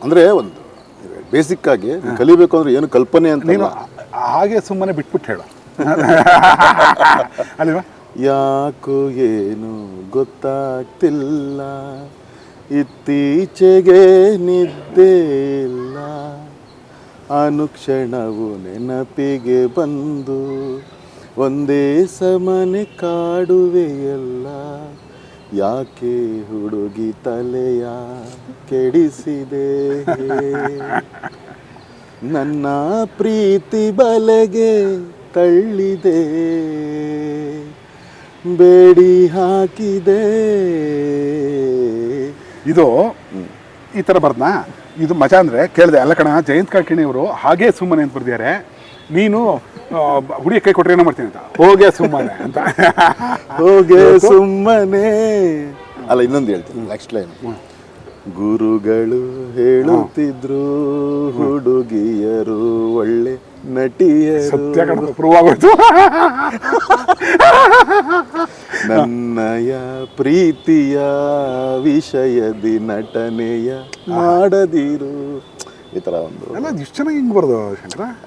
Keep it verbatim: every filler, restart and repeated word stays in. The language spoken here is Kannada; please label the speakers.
Speaker 1: ಅಂದರೆ ಒಂದು ಬೇಸಿಕ್ ಆಗಿ ಕಲಿಬೇಕು ಅಂದ್ರೆ ಏನು ಕಲ್ಪನೆ ಅಂತ
Speaker 2: ನೀನು ಹಾಗೆ ಸುಮ್ಮನೆ ಬಿಟ್ಬಿಟ್ಟು ಹೇಳು ಅಲ್ವಾ.
Speaker 1: ಯಾಕೋ ಏನು ಗೊತ್ತಾಗ್ತಿಲ್ಲ, ಇತ್ತೀಚೆಗೆ ನಿದ್ದೆ ಇಲ್ಲ, ಅನುಕ್ಷಣವು ನೆನಪಿಗೆ ಬಂದು ಒಂದೇ ಸಮನೆ ಕಾಡುವೆಯಲ್ಲ, ಯಾಕೆ ಹುಡುಗಿ ತಲೆಯ ಕೆಡಿಸಿದೆ, ನನ್ನ ಪ್ರೀತಿ ಬಲೆಗೆ ತಳ್ಳಿದೆ, ಬೇಡಿ ಹಾಕಿದೆ.
Speaker 2: ಇದು ಈ ಥರ ಬರ್ದನಾ, ಇದು ಮಜಾ ಅಂದರೆ ಕೇಳಿದೆ ಅಲ್ಲ ಕಣ. ಜಯಂತ್ ಕಾಕಿಣಿ ಅವರು ಹಾಗೇ ಸುಮ್ಮನೆ ಅಂತ ಬರ್ದಿದ್ದಾರೆ, ನೀನು ಹುಡುಗಿ ಕೈ ಕೊಟ್ಟರೆ ಏನೋ ಮಾಡ್ತೀನಿ ಅಂತ, ಹೋಗೇ ಸುಮ್ಮನೆ ಅಂತ.
Speaker 1: ಹೋಗೆ ಸುಮ್ಮನೆ ಅಲ್ಲ, ಇನ್ನೊಂದು ಹೇಳ್ತೀನಿ ನೆಕ್ಸ್ಟ್ ಲೈನ್. ಗುರುಗಳು ಹೇಳುತ್ತಿದ್ರು ಹುಡುಗಿಯರು ಒಳ್ಳೆ ನಟಿಯರು,
Speaker 2: ಸತ್ಯ ಕಣ, ಪ್ರೂವ್ ಆಗೋಯ್ತು.
Speaker 1: ನನ್ನಯ ಪ್ರೀತಿಯ ವಿಷಯದಿ ನಟನೆಯ ಮಾಡದಿರು, ಈ ಥರ ಒಂದು
Speaker 2: ಎಲ್ಲ ಇಷ್ಟು ಚೆನ್ನಾಗಿ ಹಿಂಗೆ ಬರ್ದು ಶಂಕರ.